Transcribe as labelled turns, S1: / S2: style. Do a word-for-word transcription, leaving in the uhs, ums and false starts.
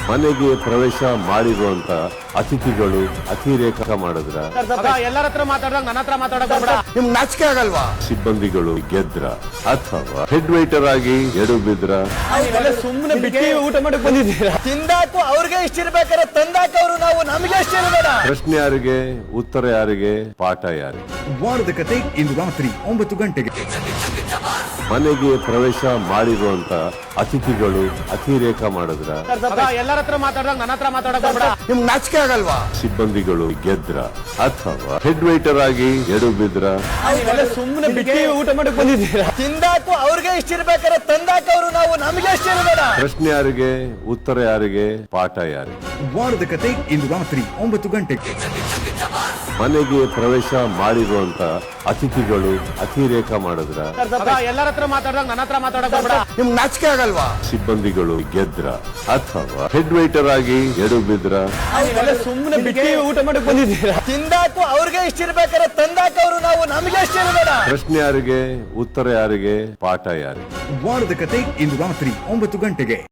S1: ಮನೆಗೆ ಪ್ರವೇಶ ಮಾಡಿರುವಂತ ಅತಿಥಿಗಳು ಅತಿರೇಕ ಮಾಡಿದ್ರ
S2: ಎಲ್ಲರ ಹತ್ರ ಮಾತಾಡಿದಾಗ ನನ್ನ ಹತ್ರ ಮಾತಾಡಕ್
S3: ನಿಮ್ಗೆ ನಾಚಿಕೆ ಆಗಲ್ವಾ?
S1: ಸಿಬ್ಬಂದಿಗಳು ಗೆದ್ರ ಅಥವಾ ಹೆಡ್ ವೈಟರ್ ಆಗಿ ಎಡು ಬಿದ್ರ
S2: ಸುಮ್ಮನೆ ಬಿಟ್ಟು ಊಟ ಮಾಡಕ್ ಬಂದಿದ್ದೀರಾ?
S3: ತಿಂದಾಕು ಅವ್ರಿಗೆ ಇಷ್ಟ ಇರ್ಬೇಕಾದ್ರೆ ತಂದಾಕ ಅವರು ನಾವು ನಮಗೆ ಇಷ್ಟ ಇರಬೇಡ.
S1: ಪ್ರಶ್ನೆ ಯಾರಿಗೆ, ಉತ್ತರ ಯಾರಿಗೆ, ಪಾಠ ಯಾರಿಗೆ?
S4: ವಾರದ ಕತೆ ಇಂದು ರಾತ್ರಿ ಒಂಬತ್ತು ಗಂಟೆಗೆ.
S1: ಮನೆಗೆ ಪ್ರವೇಶ ಮಾಡಿರುವಂತ ಅತಿಥಿಗಳು ಅತಿರೇಕ ಮಾಡಿದ್ರ
S2: ಎಲ್ಲರ ಹತ್ರ ಮಾತಾಡಿದಾಗ ನನ್ನ ಹತ್ರ ಮಾತಾಡಕ್
S3: ನಿಮ್ಗೆ ನಾಚಿಕೆ ಆಗಲ್ವಾ?
S1: ಸಿಬ್ಬಂದಿಗಳು ಗೆದ್ರ ಅಥವಾ ಹೆಡ್ ವೈಟರ್ ಆಗಿ ಎಡು ಬಿದ್ರ
S2: ಸುಮ್ಮನೆ ಬಿಟ್ಟು ಊಟ ಮಾಡಕ್ ಬಂದಿದ್ದೀರಾ?
S3: ತಿಂದಾಕು ಅವ್ರಿಗೆ ಇಷ್ಟ ಇರ್ಬೇಕಾದ್ರೆ ತಂದಾಕ ಅವರು ನಾವು ನಮಗೆ ಇಷ್ಟ ಇರಬೇಡ.
S1: ಪ್ರಶ್ನೆ ಯಾರಿಗೆ, ಉತ್ತರ ಯಾರಿಗೆ, ಪಾಠ ಯಾರಿಗೆ?
S4: ವಾರದ ಕತೆ ಇಂದು ರಾತ್ರಿ ಒಂಬತ್ತು ಗಂಟೆಗೆ.
S1: ಮನೆಗೆ ಪ್ರವೇಶ ಮಾಡಿರುವಂತ ಅತಿಥಿಗಳು ಅತಿರೇಕ ಮಾಡಿದ್ರ
S2: ಎಲ್ಲರ ಹತ್ರ ಮಾತಾಡಿದಾಗ ನನ್ನ ಹತ್ರ ಮಾತಾಡಕ್
S3: ನಿಮ್ಗೆ ನಾಚಿಕೆ ಆಗಲ್ವಾ?
S1: ಸಿಬ್ಬಂದಿಗಳು ಗೆದ್ರ ಅಥವಾ ಹೆಡ್ ವೈಟರ್ ಆಗಿ ಎಡು ಬಿದ್ರ
S2: ಸುಮ್ಮನೆ ಬಿಟ್ಟು ಊಟ ಮಾಡಕ್ ಬಂದಿದ್ದೀರಾ?
S3: ತಿಂದಾಕು ಅವ್ರಿಗೆ ಇಷ್ಟ ಇರ್ಬೇಕಾದ್ರೆ ತಂದಾಕ ಅವರು ನಾವು ನಮಗೆ ಇಷ್ಟ ಇರಬೇಡ.
S1: ಪ್ರಶ್ನೆ ಯಾರಿಗೆ, ಉತ್ತರ ಯಾರಿಗೆ, ಪಾಠ ಯಾರಿಗೆ?
S4: ವಾರದ ಕತೆ ಇಂದು ರಾತ್ರಿ ಒಂಬತ್ತು ಗಂಟೆಗೆ.